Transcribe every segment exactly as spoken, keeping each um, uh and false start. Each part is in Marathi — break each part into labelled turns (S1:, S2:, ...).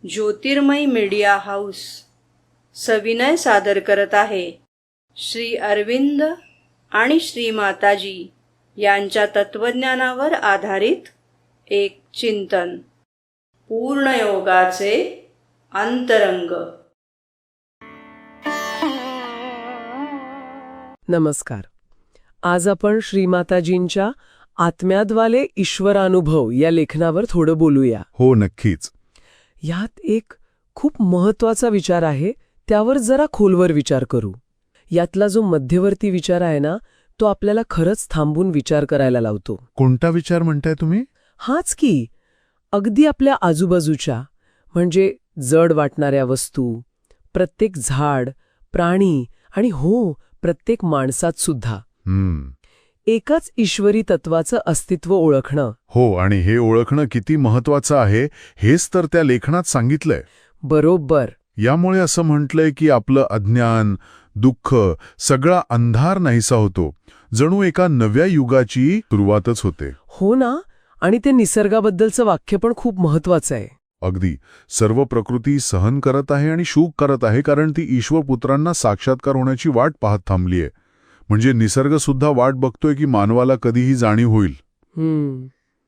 S1: ज्योतिर्मय मीडिया हाऊस सविनय सादर करत आहे श्री अरविंद आणि श्री माताजी यांच्या तत्वज्ञानावर आधारित एक चिंतन, पूर्णयोगाचे अंतरंग.
S2: नमस्कार. आज आपण श्रीमाताजींच्या आत्म्याद्वाले ईश्वरानुभव या लेखनावर थोडं बोलूया.
S3: हो, नक्कीच.
S2: यात एक खूप महत्वाचा विचार आहे, त्यावर जरा खोलवर विचार करू. यातला जो मध्यवर्ती विचार आहे ना, तो आपल्याला खरंच थांबून विचार करायला लावतो.
S3: कोणता विचार म्हणताय तुम्ही?
S2: हाच की, अगदी आपल्या आजूबाजूच्या, म्हणजे जड वाटणाऱ्या वस्तू, प्रत्येक झाड, प्राणी आणि हो, प्रत्येक माणसात सुद्धा
S3: हम्म
S2: एकाच ईश्वरी तत्वाचं अस्तित्व ओळखणं.
S3: हो, आणि हे ओळखणं किती महत्वाचं आहे हेच तर त्या लेखनात सांगितलंय.
S2: बरोबर.
S3: यामुळे असं म्हटलंय की आपलं अज्ञान, दुःख, सगळा अंधार नाहीसा होतो. जणू एका नव्या युगाची सुरुवातच होते.
S2: हो ना. आणि ते निसर्गाबद्दलचं वाक्य पण खूप महत्वाचं आहे.
S3: अगदी. सर्व प्रकृती सहन करत आहे आणि शोक करत आहे, कारण ती ईश्वर पुत्रांना साक्षात्कार होण्याची वाट पाहत थांबलीये. म्हणजे निसर्ग सुद्धा वाट बघतोय की मानवाला कधीही जाणीव होईल.
S2: हम्म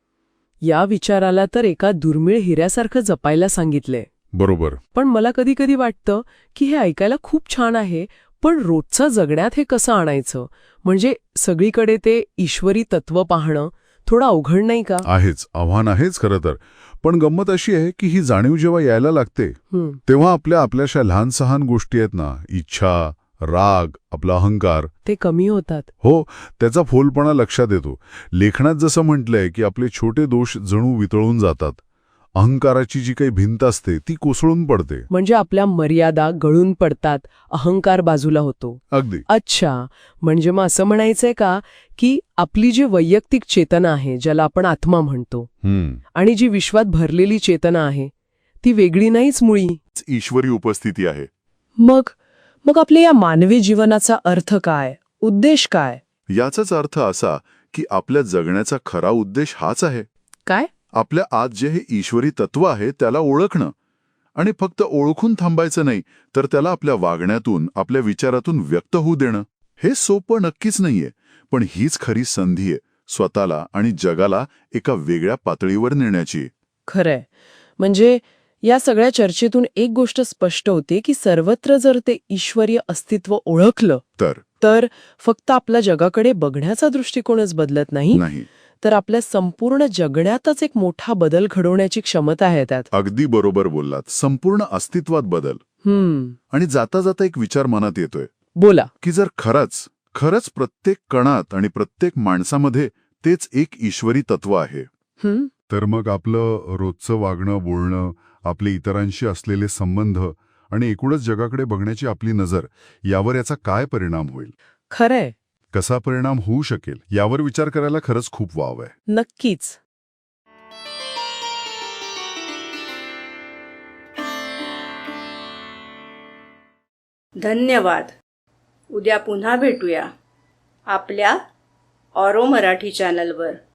S2: या विचाराला तर एका दुर्मिळ हिऱ्यासारखं जपायला सांगितलंय.
S3: बरोबर.
S2: पण मला कधी कधी वाटतं की हे ऐकायला खूप छान आहे, पण रोजचं जगण्यात हे कसं आणायचं? म्हणजे सगळीकडे ते ईश्वरी तत्व पाहणं थोडं अवघड नाही का?
S3: आहेच, आव्हान आहेच खरं तर. पण गंमत अशी आहे की ही जाणीव जेव्हा यायला लागते तेव्हा आपल्या आपल्याशा लहान सहान गोष्टी आहेत ना, इच्छा, राग, आपला अहंकार,
S2: ते कमी होतात.
S3: हो, त्याचा फोलपणा लक्षात येतो. लेखनात जसं म्हटलंय की आपले छोटे दोष जणू वितळून जातात. अहंकाराची जी काही भिंत असते ती कोसळून पडते.
S2: म्हणजे आपल्या मर्यादा गळून पडतात, अहंकार बाजूला होतो.
S3: अगदी.
S2: अच्छा, म्हणजे मग असं म्हणायचंय का की आपली जी वैयक्तिक चेतना आहे, ज्याला आपण आत्मा म्हणतो, आणि जी विश्वात भरलेली चेतना आहे, ती वेगळी नाहीच, मुळी
S3: ईश्वरी उपस्थिती आहे.
S2: मग मग आपल्या या मानवी जीवनाचा अर्थ काय, उद्देश काय?
S3: याचाच अर्थ असा की आपल्या जगण्याचा खरा उद्देश हाच आहे.
S2: काय?
S3: आपल्या आत जे हे ईश्वरी तत्व आहे त्याला ओळखणं. आणि फक्त ओळखून थांबायचं नाही, तर त्याला आपल्या वागण्यातून, आपल्या विचारातून व्यक्त होऊ देणं. हे सोपं नक्कीच नाहीये, पण हीच खरी संधी आहे स्वतःला आणि जगाला एका वेगळ्या पातळीवर नेण्याची.
S2: खरंय. म्हणजे या सगळ्या चर्चेतून एक गोष्ट स्पष्ट होते की सर्वत्र जर ते ईश्वरीय अस्तित्व ओळखलं
S3: तर
S2: तर फक्त आपल्या जगाकडे बघण्याचा दृष्टिकोनच बदलत नाही,
S3: नाही
S2: तर आपल्या संपूर्ण जगण्यातच एक मोठा बदल घडवण्याची क्षमता आहे त्यात.
S3: अगदी बरोबर बोललात. संपूर्ण अस्तित्वात बदल.
S2: हम्म
S3: आणि जाता जाता एक विचार मनात येतोय.
S2: बोला.
S3: की जर खरंच खरंच प्रत्येक कणात आणि प्रत्येक माणसामध्ये तेच एक ईश्वरी तत्व आहे,
S2: हम्म
S3: तर मग आपलं रोजचं वागणं, बोलणं, आपले इतरांशी असलेले संबंध आणि एकूणच जगाकडे बघण्याची आपली नजर, यावर याचा काय परिणाम होईल?
S2: खरंय.
S3: कसा परिणाम होऊ शकेल यावर विचार करायला खरंच खूप वाव आहे.
S2: नक्कीच.
S1: धन्यवाद. उद्या पुन्हा भेटूया आपल्या ऑरो मराठी चॅनलवर.